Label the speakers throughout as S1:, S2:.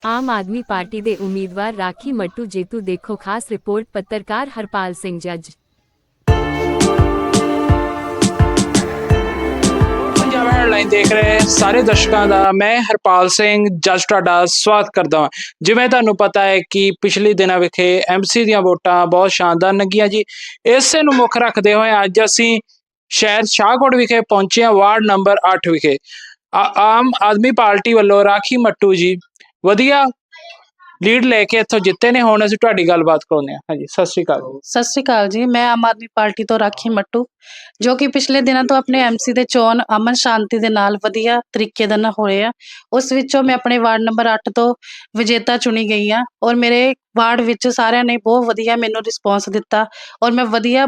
S1: ਆਮ ਆਦਮੀ party ਦੇ ਉਮੀਦਵਾਰ ਰਾਖੀ ਮੱਟੂ ਜੇਤੂ। ਦੇਖੋ ਖਾਸ ਰਿਪੋਰਟ। ਪੱਤਰਕਾਰ ਹਰਪਾਲ ਸਿੰਘ ਜੱਜ।
S2: ਪੰਜਾਬ ਹੈਡਲਾਈਨ ਦੇਖ ਰਹੇ ਸਾਰੇ ਦਰਸ਼ਕਾਂ ਦਾ ਮੈਂ ਹਰਪਾਲ ਸਿੰਘ ਜੱਜ ਤੁਹਾਡਾ ਸਵਾਗਤ ਕਰਦਾ ਹਾਂ। ਜਿਵੇਂ ਤੁਹਾਨੂੰ ਪਤਾ ਹੈ ਕਿ ਪਿਛਲੇ ਦਿਨਾਂ ਵਿਖੇ ਐਮਸੀ ਦੀਆਂ ਵੋਟਾਂ ਬਹੁਤ ਸ਼ਾਨਦਾਰ ਲੰਘੀਆਂ ਜੀ। ਇਸੇ ਨੂੰ ਮੁੱਖ ਰੱਖਦੇ ਹੋਏ ਅੱਜ ਅਸੀਂ ਸ਼ਹਿਰ ਸ਼ਾਹਕੋਟ ਵਿਖੇ ਪਹੁੰਚੇ ਹਾਂ, ਵਾਰਡ ਨੰਬਰ 8 ਵਿਖੇ। ਆਮ ਆਦਮੀ ਪਾਰਟੀ ਵੱਲੋਂ ਰਾਖੀ ਮੱਟੂ ਜੀ ਵਧੀਆ ਲੀਡ ਲੈ ਕੇ ਇੱਥੋਂ ਜਿੱਤੇ ਨੇ। ਹੁਣ ਅਸੀਂ ਤੁਹਾਡੀ ਗੱਲਬਾਤ ਕਰਾਉਂਦੇ ਹਾਂ। ਹਾਂਜੀ, ਸਤਿ ਸ਼੍ਰੀ ਅਕਾਲ।
S3: ਸਤਿ ਸ਼੍ਰੀ ਅਕਾਲ ਜੀ। ਮੈਂ ਆਮ ਆਦਮੀ ਪਾਰਟੀ ਤੋਂ ਰਾਖੀ ਮੱਟੂ, ਜੋ ਕਿ ਪਿਛਲੇ ਦਿਨਾਂ ਤੋਂ ਆਪਣੇ ਐਮਸੀ ਦੇ ਚੋਣ ਅਮਨ ਸ਼ਾਂਤੀ ਦੇ ਨਾਲ ਵਧੀਆ ਤਰੀਕੇ ਦੇ ਨਾਲ ਹੋਏ ਆ। ਉਸ ਵਿੱਚੋਂ ਮੈਂ ਆਪਣੇ ਵਾਰਡ ਨੰਬਰ 8 ਤੋਂ ਵਿਜੇਤਾ ਚੁਣੀ ਗਈ ਆ ਔਰ ਮੇਰੇ ਵਾਰਡ ਵਿੱਚ ਸਾਰਿਆਂ ਨੇ ਬਹੁਤ ਵਧੀਆ ਮੈਨੂੰ ਰਿਸਪੌਂਸ ਦਿੱਤਾ ਔਰ ਮੈਂ ਵਧੀਆ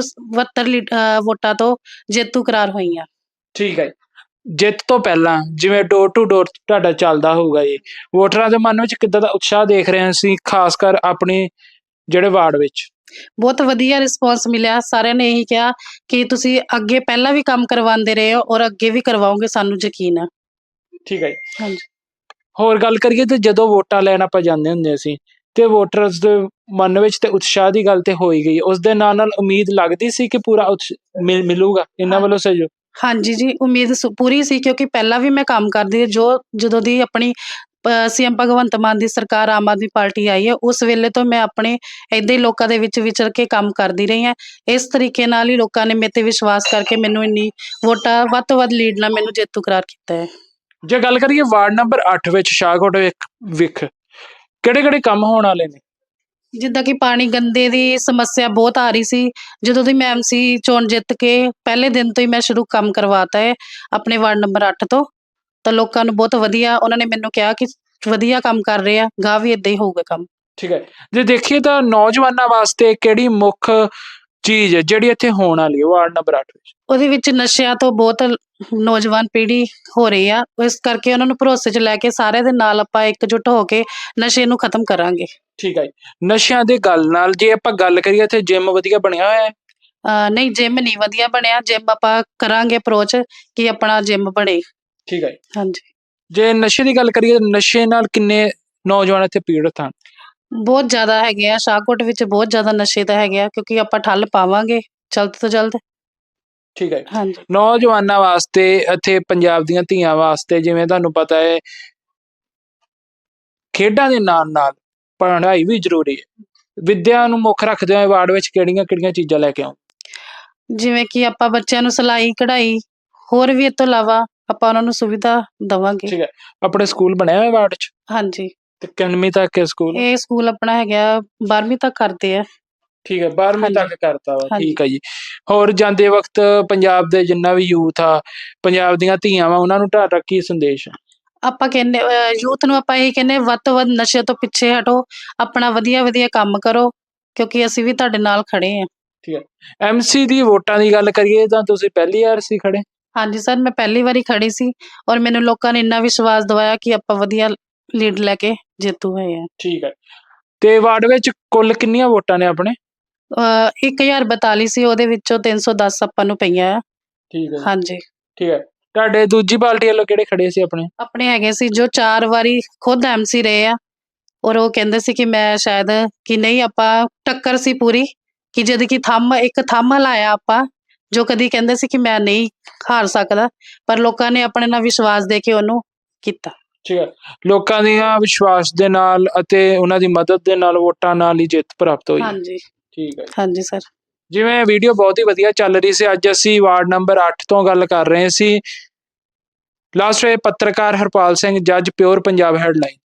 S3: 72 ਵੋਟਾਂ ਤੋਂ ਜੇਤੂ ਕਰਾਰ ਹੋਈ ਆ।
S2: ਠੀਕ ਹੈ ਜੀ। ਜਿੱਤ ਤੋਂ ਪਹਿਲਾਂ ਜਿਵੇਂ ਡੋਰ ਟੂ ਡੋਰ ਤੁਹਾਡਾ ਚੱਲਦਾ ਹੋਊਗਾ ਜੀ, ਵੋਟਰਾਂ ਦੇ ਮਨ ਵਿੱਚ ਕਿੱਦਾਂ ਦਾ ਉਤਸ਼ਾਹ ਦੇਖ ਰਹੇ ਸੀ, ਖਾਸ ਕਰ ਆਪਣੇ ਜਿਹੜੇ ਵਾਰਡ ਵਿੱਚ?
S3: ਬਹੁਤ ਵਧੀਆ ਰਿਸਪੌਂਸ ਮਿਲਿਆ। ਸਾਰਿਆਂ ਨੇ ਇਹੀ ਕਿਹਾ ਕਿ ਤੁਸੀਂ ਅੱਗੇ ਪਹਿਲਾਂ ਵੀ ਕੰਮ ਕਰਵਾਉਂਦੇ ਰਹੇ ਹੋ ਔਰ ਅੱਗੇ ਵੀ ਕਰਵਾਓਗੇ, ਸਾਨੂੰ ਯਕੀਨ ਹੈ।
S2: ਠੀਕ ਹੈ ਜੀ।
S3: ਹਾਂਜੀ।
S2: ਹੋਰ ਗੱਲ ਕਰੀਏ ਤੇ ਜਦੋਂ ਵੋਟਾਂ ਲੈਣ ਆਪਾਂ ਜਾਂਦੇ ਹੁੰਦੇ ਸੀ ਤੇ ਵੋਟਰਸ ਦੇ ਮਨ ਵਿੱਚ ਤੇ ਉਤਸ਼ਾਹ ਦੀ ਗੱਲ ਤੇ ਹੋ ਹੀ ਗਈ, ਉਸ ਦੇ ਨਾਲ ਉਮੀਦ ਲੱਗਦੀ ਸੀ ਕਿ ਪੂਰਾ ਮਿਲੂਗਾ ਇਹਨਾਂ ਵੱਲੋਂ ਸਹਿਯੋਗ?
S3: ਹਾਂਜੀ ਜੀ, ਉਮੀਦ ਪੂਰੀ ਸੀ, ਕਿਉਂਕਿ ਪਹਿਲਾਂ ਵੀ ਮੈਂ ਕੰਮ ਕਰਦੀ ਜਦੋਂ ਦੀ ਆਪਣੀ ਸੀਐਮ ਭਗਵੰਤ ਮਾਨ ਦੀ ਸਰਕਾਰ ਆਮ ਆਦਮੀ ਪਾਰਟੀ ਆਈ ਹੈ, ਉਸ ਵੇਲੇ ਤੋਂ ਮੈਂ ਆਪਣੇ ਇੱਦਾਂ ਹੀ ਲੋਕਾਂ ਦੇ ਵਿੱਚ ਵਿਚਰ ਕੇ ਕੰਮ ਕਰਦੀ ਰਹੀ ਹਾਂ। ਇਸ ਤਰੀਕੇ ਨਾਲ ਹੀ ਲੋਕਾਂ ਨੇ ਮੇਰੇ ਤੇ ਵਿਸ਼ਵਾਸ ਕਰਕੇ ਮੈਨੂੰ ਇੰਨੀ ਵੋਟਾਂ ਵੱਧ ਤੋਂ ਵੱਧ ਲੀਡ ਨਾਲ ਮੈਨੂੰ ਜੇਤੂ ਕਰਾਰ ਕੀਤਾ ਹੈ।
S2: ਜੇ ਗੱਲ ਕਰੀਏ ਵਾਰਡ ਨੰਬਰ 8 ਵਿੱਚ ਸ਼ਾਹਕੋਟ ਵਿਖ ਕਿਹੜੇ ਕਿਹੜੇ ਕੰਮ ਹੋਣ ਵਾਲੇ ਨੇ?
S3: ਜਿੱਦਾਂ ਕਿ ਪਾਣੀ ਗੰਦੇ ਦੀ ਸਮੱਸਿਆ ਬਹੁਤ ਆ ਰਹੀ ਸੀ। ਜਦੋਂ ਦੀ ਮੈਂ ਐਮਸੀ ਚੋਣ ਜਿੱਤ ਕੇ ਪਹਿਲੇ ਦਿਨ ਤੋਂ ਹੀ ਮੈਂ ਸ਼ੁਰੂ ਕੰਮ ਕਰਵਾਤਾ ਹੈ ਆਪਣੇ ਵਾਰਡ ਨੰਬਰ 8 ਤੋਂ। ਤਾਂ ਲੋਕਾਂ ਨੂੰ ਬਹੁਤ ਵਧੀਆ, ਉਹਨਾਂ ਨੇ ਮੈਨੂੰ ਕਿਹਾ ਕਿ ਵਧੀਆ ਕੰਮ ਕਰ ਰਹੇ ਆ, ਗਾਹ ਵੀ ਇਦਾਂ ਹੀ ਹੋਊਗਾ ਕੰਮ।
S2: ਠੀਕ ਹੈ। ਜੇ ਦੇਖੀਏ ਤਾਂ ਨੌਜਵਾਨਾਂ ਵਾਸਤੇ ਕਿਹੜੀ ਮੁੱਖ ਚੀਜ਼ ਹੈ ਜਿਹੜੀ ਇੱਥੇ ਹੋਣ ਵਾਲੀ ਹੈ ਵਾਰਡ ਨੰਬਰ 8 ਵਿੱਚ?
S3: ਉਹਦੇ ਵਿੱਚ ਨਸ਼ਿਆਂ ਤੋਂ ਬਹੁਤ ਨੌਜਵਾਨ ਪੀੜ੍ਹੀ ਹੋ ਰਹੀ ਆ, ਇਸ ਕਰਕੇ ਉਹਨਾਂ ਨੂੰ ਭਰੋਸੇ 'ਚ ਲੈ ਕੇ ਸਾਰਿਆਂ ਦੇ ਨਾਲ ਆਪਾਂ ਇਕਜੁੱਟ ਹੋ ਕੇ ਨਸ਼ੇ ਨੂੰ ਖਤਮ ਕਰਾਂਗੇ।
S2: ਠੀਕ ਹੈ ਜੀ। ਨਸ਼ਿਆਂ ਦੀ ਗੱਲ ਨਾਲ ਜੇ ਆਪਾਂ ਗੱਲ ਕਰੀਏ, ਇੱਥੇ ਜਿਮ ਵਧੀਆ ਬਣਿਆ ਹੋਇਆ ਹੈ?
S3: ਨਹੀਂ, ਜਿਮ ਨਹੀਂ ਵਧੀਆ ਬਣਿਆ। ਜਿਮ ਆਪਾਂ ਕਰਾਂਗੇ ਅਪਰੋਚ ਕਿ ਆਪਣਾ ਜਿਮ ਬਣੇ।
S2: ਠੀਕ ਹੈ।
S3: ਹਾਂਜੀ।
S2: ਜੇ ਨਸ਼ੇ ਦੀ ਗੱਲ ਕਰੀਏ, ਨਸ਼ੇ ਨਾਲ ਕਿੰਨੇ ਨੌਜਵਾਨ ਇੱਥੇ ਪੀੜਤ ਹਨ?
S3: ਬਹੁਤ ਜ਼ਿਆਦਾ ਹੈਗੇ ਆ, ਸ਼ਾਹਕੋਟ ਵਿੱਚ ਬਹੁਤ ਜ਼ਿਆਦਾ ਨਸ਼ੇ ਤਾਂ ਹੈਗੇ ਆ, ਕਿਉਂਕਿ ਆਪਾਂ ਠੱਲ ਪਾਵਾਂਗੇ ਜਲਦ ਤੋਂ ਜਲਦ।
S2: ਠੀਕ ਹੈ।
S3: ਹਾਂਜੀ।
S2: ਨੌਜਵਾਨਾਂ ਵਾਸਤੇ ਇੱਥੇ ਪੰਜਾਬ ਦੀਆਂ ਧੀਆਂ ਵਾਸਤੇ ਜਿਵੇਂ ਤੁਹਾਨੂੰ ਪਤਾ ਹੈ ਖੇਡਾਂ ਦੇ ਨਾਲ ਨਾਲ ਪੜ੍ਹਾਈ ਵੀ ਜ਼ਰੂਰੀ ਹੈ। ਵਿੱਦਿਆ ਨੂੰ ਮੁੱਖ ਰੱਖਦੇ ਹੋਏ ਵਾਰਡ ਵਿੱਚ ਕਿਹੜੀਆਂ ਕਿਹੜੀਆਂ ਚੀਜ਼ਾਂ ਲੈ ਕੇ ਆਉਂ?
S3: ਜਿਵੇਂ ਕਿ ਆਪਾਂ ਬੱਚਿਆਂ ਨੂੰ ਸਿਲਾਈ ਕਢਾਈ, ਹੋਰ ਵੀ ਇਸ ਤੋਂ ਇਲਾਵਾ ਆਪਾਂ ਉਹਨਾਂ ਨੂੰ ਸੁਵਿਧਾ ਦੇਵਾਂਗੇ।
S2: ਠੀਕ ਹੈ। ਆਪਣੇ ਸਕੂਲ ਬਣਿਆ ਹੋਇਆ ਵਾਰਡ 'ਚ?
S3: ਹਾਂਜੀ।
S2: ਤੇ ਕਿੰਨਵੀਂ ਤੱਕ ਹੈ ਸਕੂਲ?
S3: ਇਹ ਸਕੂਲ ਆਪਣਾ ਹੈਗਾ 12ਵੀਂ ਤੱਕ ਕਰਦੇ ਆ।
S2: ਠੀਕ ਹੈ, 12ਵੀਂ ਤੱਕ ਕਰਤਾ ਵਾ।
S3: ਹਾਂਜੀ।
S2: ਠੀਕ ਹੈ ਜੀ। ਹੋਰ ਜਾਂਦੇ ਵਕਤ ਪੰਜਾਬ ਦੇ ਜਿੰਨਾ ਵੀ ਯੂਥ ਆ, ਪੰਜਾਬ ਦੀਆਂ ਧੀਆਂ ਵਾ, ਉਹਨਾਂ ਨੂੰ ਤੁਹਾਡਾ ਕੀ ਸੰਦੇਸ਼ ਹੈ?
S3: ਆਪਾਂ ਕਹਿੰਦੇ ਯੂਥ ਨੂੰ ਆਪਾਂ ਇਹ ਕਹਿੰਦੇ ਵੱਧ ਤੋਂ ਵੱਧ ਨਸ਼ੇ ਤੋਂ ਪਿੱਛੇ ਹਟੋ, ਆਪਣਾ ਵਧੀਆ ਵਧੀਆ ਕੰਮ ਕਰੋ, ਕਿਉਂਕਿ ਅਸੀਂ ਵੀ ਤੁਹਾਡੇ ਨਾਲ ਖੜੇ ਹਾਂ।
S2: ਠੀਕ ਹੈ। ਐਮਸੀ ਦੀ ਵੋਟਾਂ ਦੀ ਗੱਲ ਕਰੀਏ ਤਾਂ ਤੁਸੀਂ ਪਹਿਲੀ ਵਾਰ ਸੀ ਖੜੇ?
S3: ਹਾਂਜੀ ਸਰ, ਮੈਂ ਪਹਿਲੀ ਵਾਰੀ ਖੜੀ ਸੀ ਔਰ ਮੈਨੂੰ ਲੋਕਾਂ ਨੇ ਇੰਨਾ ਵਿਸ਼ਵਾਸ ਦਿਵਾਇਆ ਕਿ ਆਪਾਂ ਵਧੀਆ ਲੀਡ ਲੈ ਕੇ ਜੇਤੂ ਹੋਏ ਆ।
S2: ਠੀਕ ਹੈ। ਤੇ ਵਾਰਡ ਵਿੱਚ ਕੁੱਲ ਕਿੰਨੀਆਂ ਵੋਟਾਂ ਨੇ ਆਪਣੇ?
S3: 1042 ਸੀ, ਉਹਦੇ ਵਿੱਚੋਂ 310 ਆਪਾਂ ਨੂੰ ਪਈਆਂ ਆ।
S2: ਠੀਕ ਹੈ।
S3: ਹਾਂਜੀ।
S2: ਠੀਕ ਹੈ। ਤੁਹਾਡੇ ਦੂਜੀ ਪਾਰਟੀ ਵੱਲੋਂ ਕਿਹੜੇ ਖੜੇ ਸੀ ਆਪਣੇ?
S3: ਆਪਣੇ ਹੈਗੇ ਸੀ ਜੋ 4 ਵਾਰੀ ਖੁਦ ਐਮਸੀ ਰਹੇ ਆ ਔਰ ਉਹ ਕਹਿੰਦੇ ਸੀ ਕਿ ਮੈਂ ਸ਼ਾਇਦ ਕਿ ਨਹੀਂ, ਆਪਾਂ ਟੱਕਰ ਸੀ ਪੂਰੀ, ਕਿ ਜਦ ਕਿ ਇੱਕ ਥੰਮ ਲਾਇਆ ਆਪਾਂ, ਜੋ ਕਦੀ ਕਹਿੰਦੇ ਸੀ ਕਿ ਮੈਂ ਨਹੀਂ ਹਾਰ ਸਕਦਾ, ਪਰ ਲੋਕਾਂ ਨੇ ਆਪਣੇ ਨਾਲ ਵਿਸ਼ਵਾਸ ਦੇ ਕੇ ਉਹਨੂੰ ਕੀਤਾ।
S2: ਠੀਕ ਹੈ। ਲੋਕਾਂ ਦੀਆਂ ਵਿਸ਼ਵਾਸ ਦੇ ਨਾਲ ਅਤੇ ਉਹਨਾਂ ਦੀ ਮਦਦ ਦੇ ਨਾਲ ਵੋਟਾਂ ਨਾਲ ਹੀ ਜਿੱਤ ਪ੍ਰਾਪਤ ਹੋਈ।
S3: ਹਾਂਜੀ।
S2: ਠੀਕ ਹੈ।
S3: ਹਾਂਜੀ ਸਰ।
S2: ਜਿਵੇਂ ਵੀਡੀਓ ਬਹੁਤ ਹੀ ਵਧੀਆ ਚੱਲ ਰਹੀ ਸੀ, ਅੱਜ ਅਸੀਂ ਵਾਰਡ ਨੰਬਰ 8 ਤੋਂ ਗੱਲ ਕਰ ਰਹੇ ਸੀ। ਲਾਸਟ ਵੇ ਪੱਤਰਕਾਰ ਹਰਪਾਲ ਸਿੰਘ ਜੱਜ, ਪਿਓਰ ਪੰਜਾਬ ਹੈਡਲਾਈਨ।